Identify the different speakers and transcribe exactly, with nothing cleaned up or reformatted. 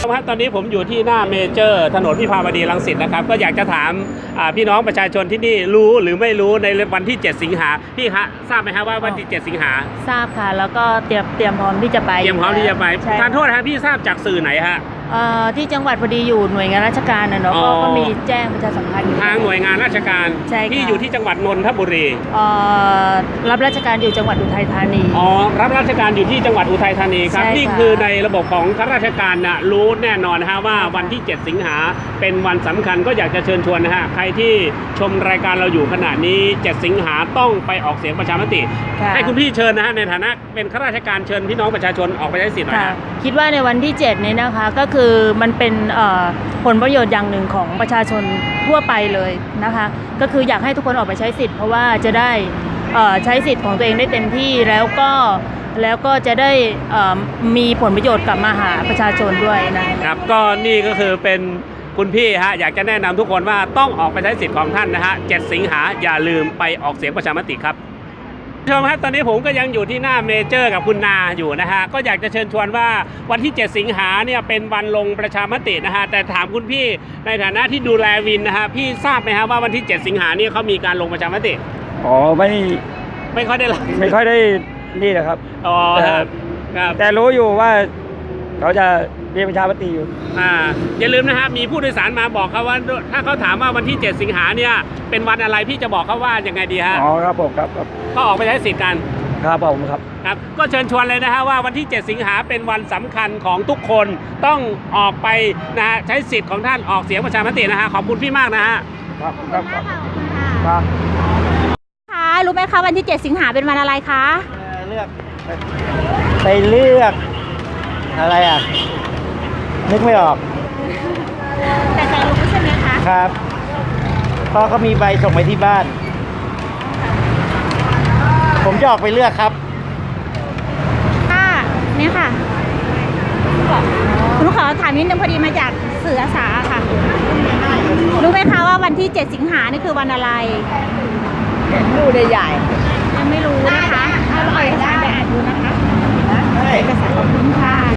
Speaker 1: ครับตอนนี้ผมอยู่ที่หน้าเมเจอร์ถนนวิภาวดีรังสิตนะครับก็อยากจะถามพี่น้องประชาชนที่นี่รู้หรือไม่รู้ในวันที่เจ็ดสิงหาพี่ฮะทราบไหมครับว่าวันที่เจ็ดสิงหา
Speaker 2: ทราบค่ะแล้วก็เตรียมเตรียมพร้อมที่จะไป
Speaker 1: เตรียมพร้อมที่จะไปทานโทษครับพี่ทราบจากสื่อไหนฮะ
Speaker 2: ที่จังหวัดพอดีอยู่หน่วยงานราชการนะเนาะก็มีแจ้งประชาสัมพันธ์
Speaker 1: ทางหน่วยงานราชการที่อยู่ที่จังหวัดนนทบุรี
Speaker 2: รับราชการอยู่จังหวัดอุทัยธานี
Speaker 1: อ๋อรับราชการอยู่ที่จังหวัดอุทัยธานีครับนี่คือในระบบของข้าราชการนะรู้แน่นอนนะฮะว่าวันที่เจ็ดสิงหาเป็นวันสำคัญก็อยากจะเชิญชวนนะฮะใครที่ชมรายการเราอยู่ขณะนี้เจ็ดสิงหาต้องไปออกเสียงประชามติให้คุณพี่เชิญนะฮะในฐานะเป็นข้าราชการเชิญพี่น้องประชาชนออกไปใช้สิทธิ์หน่อยนะ
Speaker 2: คิดว่าในวันที่เจ็ดนี้นะคะก็คือมันเป็นผลประโยชน์อย่างหนึ่งของประชาชนทั่วไปเลยนะคะก็คืออยากให้ทุกคนออกไปใช้สิทธิ์เพราะว่าจะได้ใช้สิทธิ์ของตัวเองได้เต็มที่แล้วก็แล้วก็จะได้มีผลประโยชน์กลับมาหาประชาชนด้วยนะครับ
Speaker 1: ก็นี่ก็คือเป็นคุณพี่ฮะอยากจะแนะนำทุกคนว่าต้องออกไปใช้สิทธิ์ของท่านนะฮะเจ็ดสิงหาอย่าลืมไปออกเสียงประชามติครับชมครับตอนนี้ผมก็ยังอยู่ที่หน้าเมเจอร์กับคุณนาอยู่นะฮะก็อยากจะเชิญชวนว่าวันที่เจ็ดสิงหาเนี่ยเป็นวันลงประชามตินะฮะแต่ถามคุณพี่ในฐานะที่ดูแลวินนะฮะพี่ทราบไหมฮะว่าวันที่เจ็ดสิงหาเนี่ยเขามีการลงประชามติ
Speaker 3: อ๋อไม่
Speaker 1: ไม่ค่อยได้
Speaker 3: ไม่ค่อยได้นี่นะครับ
Speaker 1: อ๋อครับ
Speaker 3: แต่รู้อยู่ว่าเขาจะมีประชามติอยู่
Speaker 1: อ่าอย่าลืมนะฮะมีผู้โดยสารมาบอกเขาว่าถ้าเขาถามว่าวันที่เจ็ดสิงหาเนี่ยเป็นวันอะไรพี่จะบอกเขาว่ายังไงดีฮะ
Speaker 3: อ๋อครับผมครับ
Speaker 1: ก็ออกไปใช้สิทธิ์กัน
Speaker 3: ครับผมครับ
Speaker 1: ครับก็เชิญชวนเลยนะฮะว่าวันที่เจ็ดสิงหาเป็นวันสำคัญของทุกคนต้องออกไปนะฮะใช้สิทธิ์ของท่านออกเสียงประชามตินะฮะขอบคุณพี่มากนะฮะ
Speaker 3: ครับครับ
Speaker 4: ครับค่ะรู้ไหมคะวันที่เจ็ดสิงหาเป็นวันอะไรคะ
Speaker 3: เลือกไปเลือกอะไรอ่ะนึกไม่ออก
Speaker 4: แต่ใจรู้ใช่ไหมคะ
Speaker 3: ครับเพราะเขามีใบส่งไปที่บ้านผมจะออกไปเลือกครับ
Speaker 4: ค่ะนี่ค่ะหนูขอถามนิดนึงพอดีมาจากสื่ออาสาค่ะรู้ไหมคะว่าวันที่เจ็ดสิงหานี่คือวันอะไร
Speaker 2: รู้ได้ใหญ่
Speaker 4: ยังไม่รู้นะคะถ้าเราไปอ่านดูนะคะเอกสารขอบคุณค่ะ